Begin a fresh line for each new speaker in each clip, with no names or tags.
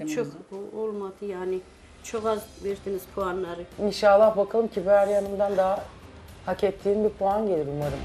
1,5 olmadı yani. Çok az verdiniz puanları.
İnşallah bakalım Kibariye Hanım'dan daha hak ettiğim bir puan gelir umarım.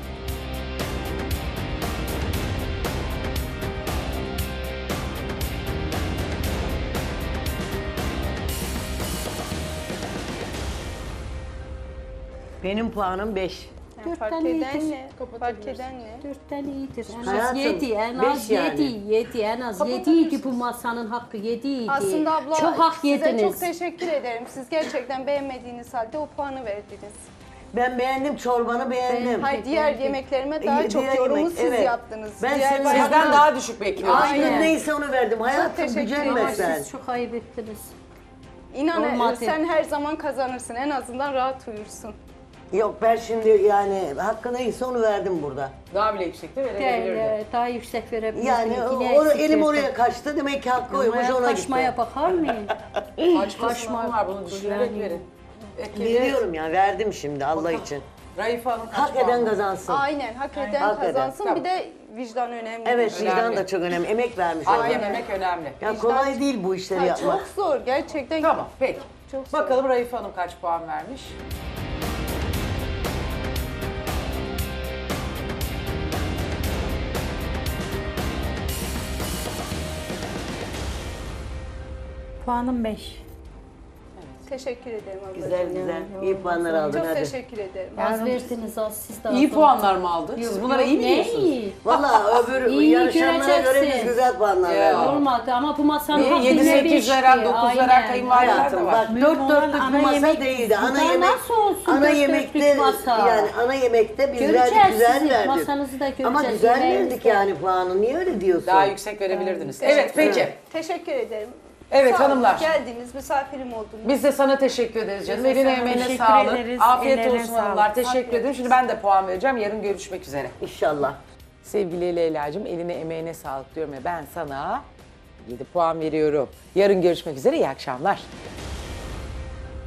Benim puanım 5.
Yani fark
Dörtten
eden
iyidir.
ne? Fark eden ne?
4'ten iyidir. En az
Hayatım,
7, en
beş
az
yani.
7, en az 7 idi bu masanın hakkı 7 idi.
Aslında abla
çok hak
size
yediniz.
çok teşekkür ederim. Siz gerçekten beğenmediğiniz halde o puanı verdiniz.
Ben beğendim, çorbanı beğendim.
Hayır diğer
Beğendim.
yemeklerime daha
Diğer
çok yorumu
yemek,
siz
evet.
yaptınız.
Ben
Diğer
senin
bayağı-
Sizden daha düşük bekliyorum.
Aynen.
Aklım neyse onu verdim. Hayatım
teşekkür
gücenme
ederim.
sen.
Siz çok ayıp ettiniz.
İnan
Olmadı.
sen her zaman kazanırsın. En azından rahat uyursun.
Yok ben şimdi yani hakkı neyse onu verdim burada.
Daha bile yüksekte
Değil,
verebilirdi.
daha yüksek verebilirsiniz.
Yani elim oraya kaçtı demek ki hakkı oymuş ona gitti.
Kaçmaya bakar mıyım?
Kaç kaçma var bunu düşünerek
Yani.
verin.
Veriyorum ya verdim şimdi Allah için.
Raife Hanım kaç
Hak
puan
eden
var?
kazansın.
Aynen hak eden
Hak eden.
kazansın.
Tamam.
Bir de vicdan önemli.
Evet vicdan
Önemli.
da çok önemli. Emek vermiş
Hak
ona.
yememek önemli.
Ya kolay değil bu işleri yapmak.
Çok zor gerçekten.
Tamam peki.
Çok zor.
Bakalım Raife Hanım kaç puan vermiş?
Puanım 5.
Teşekkür ederim ablacığım.
Güzel güzel. İyi puanlar aldın
Çok
hadi.
teşekkür ederim.
Az verdiniz az siz de az.
İyi
oldu.
puanlar mı aldı? Siz
Yok,
bunlara
yok,
iyi mi
ne
diyorsunuz?
iyi?
Valla öbür
İyi
yarışanlara göre biz
göreceksin.
güzel puanlar
Ya.
verdik.
Olmadı ama bu masanın
Niye?
hakkı
7-8 veren, 9 veren kayınvalideler de
Hayatım
var.
bak
Mühim
dört
olan
dörtlük
ana
bir masa
yemek.
değildi. Ana
Bunlar
yemek,
nasıl olsun
ana
dört
yemekte
dörtlük masa?
yani ana yemekte biz
Göreceğiz
verdik güzel
sizin
verdik.
masanızı da göreceğiz,
Ama güzel
yemeğinizi
verdik
de.
yani puanı. Niye öyle diyorsun?
Daha yüksek verebilirdiniz. Evet peki.
Teşekkür ederim.
Evet
Sağ olun,
hanımlar.
Geldiniz, misafirim oldunuz.
Biz de sana teşekkür ederiz canım.
Biz de
Eline
sana
emeğine
teşekkür
sağlık.
ederiz.
Afiyet
Ellerine
olsun
sağlık.
hanımlar. Teşekkür ederim. Şimdi ben de puan vereceğim. Yarın görüşmek üzere.
İnşallah.
Sevgili Leyla'cığım eline emeğine sağlık diyorum ve ben sana 7 puan veriyorum. Yarın görüşmek üzere. İyi akşamlar.